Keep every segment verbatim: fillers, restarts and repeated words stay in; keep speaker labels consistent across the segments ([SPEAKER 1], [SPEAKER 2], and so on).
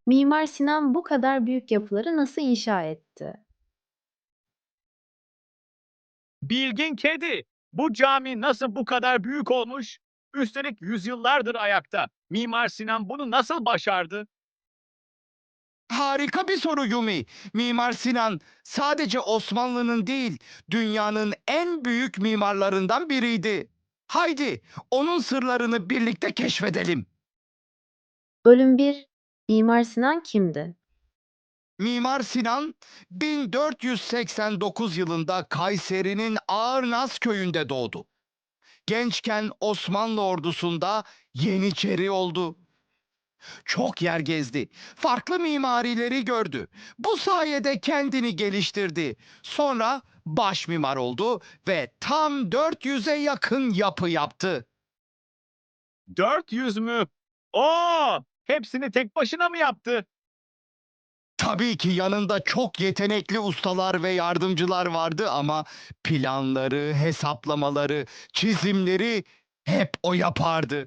[SPEAKER 1] Mimar Sinan bu kadar büyük yapıları nasıl inşa etti?
[SPEAKER 2] Bilgin kedi. Bu cami nasıl bu kadar büyük olmuş? Üstelik yüzyıllardır ayakta. Mimar Sinan bunu nasıl başardı?
[SPEAKER 3] Harika bir soru Yumi. Mimar Sinan sadece Osmanlı'nın değil, dünyanın en büyük mimarlarından biriydi. Haydi, onun sırlarını birlikte keşfedelim.
[SPEAKER 1] Bölüm bir. Mimar Sinan kimdi?
[SPEAKER 3] Mimar Sinan bin dört yüz seksen dokuz yılında Kayseri'nin Ağırnaz köyünde doğdu. Gençken Osmanlı ordusunda Yeniçeri oldu. Çok yer gezdi. Farklı mimarileri gördü. Bu sayede kendini geliştirdi. Sonra baş mimar oldu ve tam dört yüze yakın yapı yaptı.
[SPEAKER 2] dört yüz mü? Oo! Hepsini tek başına mı yaptı?
[SPEAKER 3] Tabii ki yanında çok yetenekli ustalar ve yardımcılar vardı ama planları, hesaplamaları, çizimleri hep o yapardı.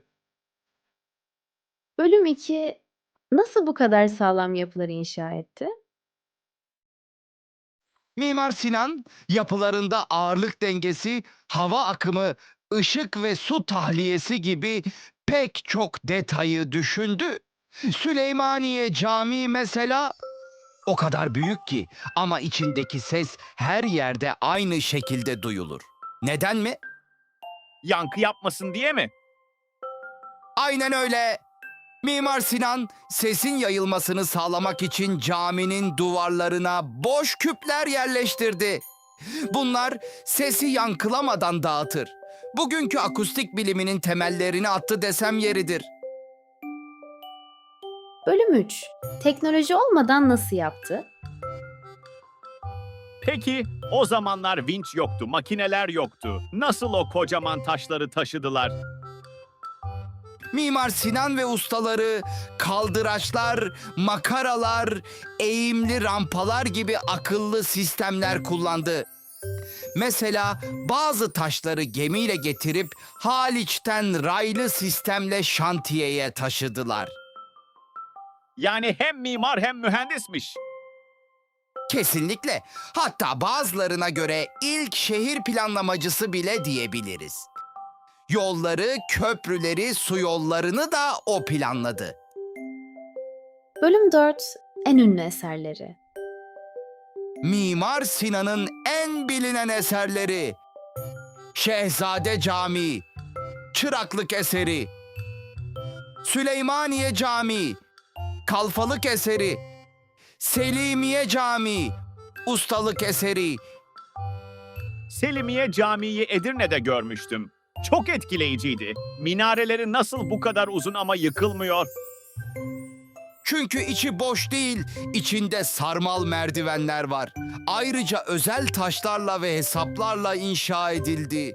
[SPEAKER 1] Bölüm iki. Nasıl bu kadar sağlam yapıları inşa etti?
[SPEAKER 3] Mimar Sinan yapılarında ağırlık dengesi, hava akımı, ışık ve su tahliyesi gibi pek çok detayı düşündü. Süleymaniye Camii mesela o kadar büyük ki ama içindeki ses her yerde aynı şekilde duyulur. Neden mi?
[SPEAKER 2] Yankı yapmasın diye mi?
[SPEAKER 3] Aynen öyle. Mimar Sinan sesin yayılmasını sağlamak için caminin duvarlarına boş küpler yerleştirdi. Bunlar sesi yankılamadan dağıtır. Bugünkü akustik biliminin temellerini attı desem yeridir.
[SPEAKER 1] Bölüm üç. Teknoloji olmadan nasıl yaptı?
[SPEAKER 2] Peki o zamanlar vinç yoktu, makineler yoktu. Nasıl o kocaman taşları taşıdılar?
[SPEAKER 3] Mimar Sinan ve ustaları kaldıraçlar, makaralar, eğimli rampalar gibi akıllı sistemler kullandı. Mesela bazı taşları gemiyle getirip Haliç'ten raylı sistemle şantiyeye taşıdılar.
[SPEAKER 2] Yani hem mimar hem mühendismiş.
[SPEAKER 3] Kesinlikle. Hatta bazılarına göre ilk şehir planlamacısı bile diyebiliriz. Yolları, köprüleri, su yollarını da o planladı.
[SPEAKER 1] Bölüm dört. En ünlü eserleri.
[SPEAKER 3] Mimar Sinan'ın en bilinen eserleri: Şehzade Camii, Çıraklık eseri, Süleymaniye Camii, Kalfalık eseri, Selimiye Camii, ustalık eseri.
[SPEAKER 2] Selimiye Camii'yi Edirne'de görmüştüm. Çok etkileyiciydi. Minareleri nasıl bu kadar uzun ama yıkılmıyor?
[SPEAKER 3] Çünkü içi boş değil, içinde sarmal merdivenler var. Ayrıca özel taşlarla ve hesaplarla inşa edildi.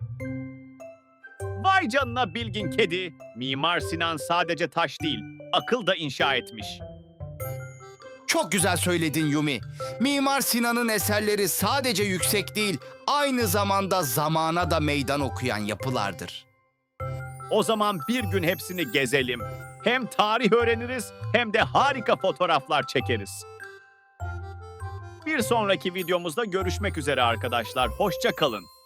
[SPEAKER 2] Vay canına bilgin kedi. Mimar Sinan sadece taş değil, akıl da inşa etmiş.
[SPEAKER 3] Çok güzel söyledin Yumi. Mimar Sinan'ın eserleri sadece yüksek değil, aynı zamanda zamana da meydan okuyan yapılardır.
[SPEAKER 2] O zaman bir gün hepsini gezelim. Hem tarih öğreniriz hem de harika fotoğraflar çekeriz. Bir sonraki videomuzda görüşmek üzere arkadaşlar. Hoşça kalın.